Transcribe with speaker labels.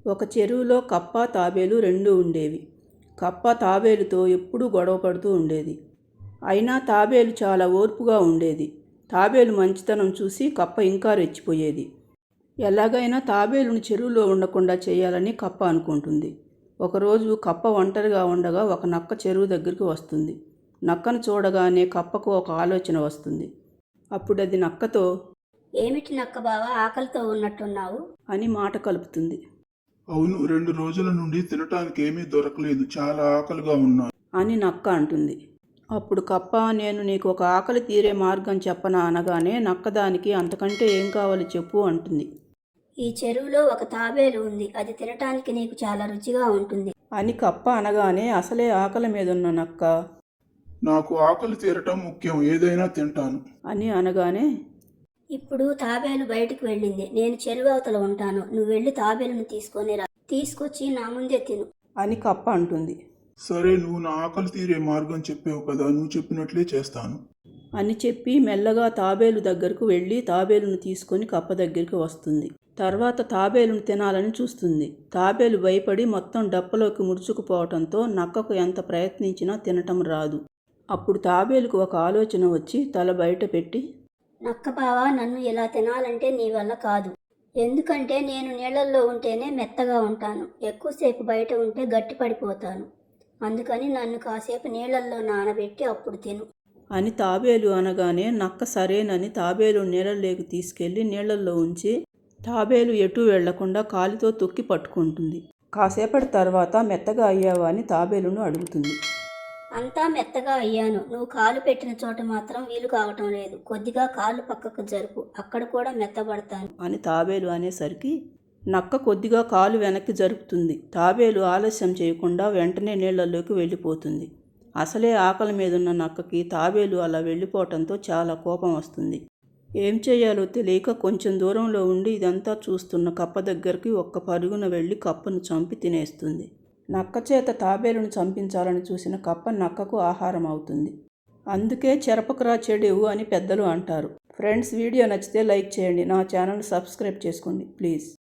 Speaker 1: ఒక చెరువులో కప్ప తాబేలు రెండూ ఉండేవి. కప్ప తాబేలుతో ఎప్పుడూ గొడవ పడుతూ ఉండేది. అయినా తాబేలు చాలా ఓర్పుగా ఉండేది. తాబేలు మంచితనం చూసి కప్ప ఇంకా రెచ్చిపోయేది. ఎలాగైనా తాబేలును చెరువులో ఉండకుండా చేయాలని కప్ప అనుకుంటుంది. ఒకరోజు కప్ప ఒంటరిగా ఉండగా ఒక నక్క చెరువు దగ్గరికి వస్తుంది. నక్కను చూడగానే కప్పకు ఒక ఆలోచన వస్తుంది. అప్పుడు అది నక్కతో,
Speaker 2: ఏమిటి నక్క బావా, ఆకలితో ఉన్నట్టున్నావు
Speaker 1: అని మాట కలుపుతుంది.
Speaker 3: అవును, 2 రోజుల నుండి తినటానికి ఏమీ దొరకలేదు. చాలా ఆకలిగా ఉన్నాను
Speaker 1: అని నక్క అంటుంది. అప్పుడు కప్ప, నేను నీకు ఒక ఆకలి తీరే మార్గం చెప్పనా అనగానే నక్క దానికి అంతకంటే ఏం కావాలి చెప్పు అంటుంది.
Speaker 2: ఈ చెరువులో ఒక తాబేలు ఉంది, అది తినటానికి నీకు చాలా రుచిగా ఉంటుంది
Speaker 1: అని కప్ప అనగానే అసలే ఆకలి మీదున్న నక్క,
Speaker 3: నాకు ఆకలి తీరటం ముఖ్యం, ఏదైనా తింటాను
Speaker 1: అని అనగానే,
Speaker 2: ఇప్పుడు తాబేలు బయటికి వెళ్ళింది, నేను చెరువు అవతల ఉంటాను, నువ్వు వెళ్ళి తాబేలును తీసుకొని రా, తీసుకొచ్చి నా ముందే తిను
Speaker 1: అని కప్ప అంటుంది.
Speaker 3: సరే, నువ్వు నా ఆకలి తీరే మార్గం చెప్పావు కదా, నువ్వు చెప్పినట్లే చేస్తాను
Speaker 1: అని చెప్పి మెల్లగా తాబేలు దగ్గరకు వెళ్ళి తాబేలును తీసుకొని కప్ప దగ్గరికి వస్తుంది. తర్వాత తాబేలును తినాలని చూస్తుంది. తాబేలు భయపడి మొత్తం డప్పలోకి ముడుచుకుపోవటంతో నక్కకు ఎంత ప్రయత్నించినా తినటం రాదు. అప్పుడు తాబేలుకు ఒక ఆలోచన వచ్చి తల బయట పెట్టి,
Speaker 2: నక్క బావా, నన్ను ఇలా తినాలంటే నీ వల్ల కాదు. ఎందుకంటే నేను నీళ్ళల్లో ఉంటేనే మెత్తగా ఉంటాను, ఎక్కువసేపు బయట ఉంటే గట్టి పడిపోతాను. అందుకని నన్ను కాసేపు నీళ్ళల్లో నానబెట్టి అప్పుడు తిను
Speaker 1: అని తాబేలు అనగానే నక్క సరేనని తాబేలు నీళ్ళలోకి తీసుకెళ్లి నీళ్ళల్లో ఉంచి తాబేలు ఎటూ వెళ్లకుండా కాలితో తొక్కి పట్టుకుంటుంది. కాసేపటి తర్వాత మెత్తగా అయ్యావా అని తాబేలును అడుగుతుంది.
Speaker 2: అంతా మెత్తగా అయ్యాను, నువ్వు కాలు పెట్టిన చోట మాత్రం వీలు కావటం లేదు, కొద్దిగా కాలు పక్కకు జరుపు, అక్కడ కూడా మెత్తబడతాను
Speaker 1: అని తాబేలు అనేసరికి నక్క కొద్దిగా కాలు వెనక్కి జరుపుతుంది. తాబేలు ఆలస్యం చేయకుండా వెంటనే నీళ్లలోకి వెళ్ళిపోతుంది. అసలే ఆకలి మీదున్న నక్కకి తాబేలు అలా వెళ్ళిపోవటంతో చాలా కోపం వస్తుంది. ఏం చేయాలో తెలియక కొంచెం దూరంలో ఉండి ఇదంతా చూస్తున్న కప్ప దగ్గరికి ఒక్క పరుగున వెళ్ళి కప్పను చంపి తినేస్తుంది. నక్క చేత తాబేలును చంపించాలని చూసిన కప్ప నక్కకు ఆహారం అవుతుంది. అందుకే చెరపకురా చెడేవు అని పెద్దలు అంటారు. ఫ్రెండ్స్, వీడియో నచ్చితే లైక్ చేయండి. నా ఛానల్ సబ్స్క్రైబ్ చేసుకోండి ప్లీజ్.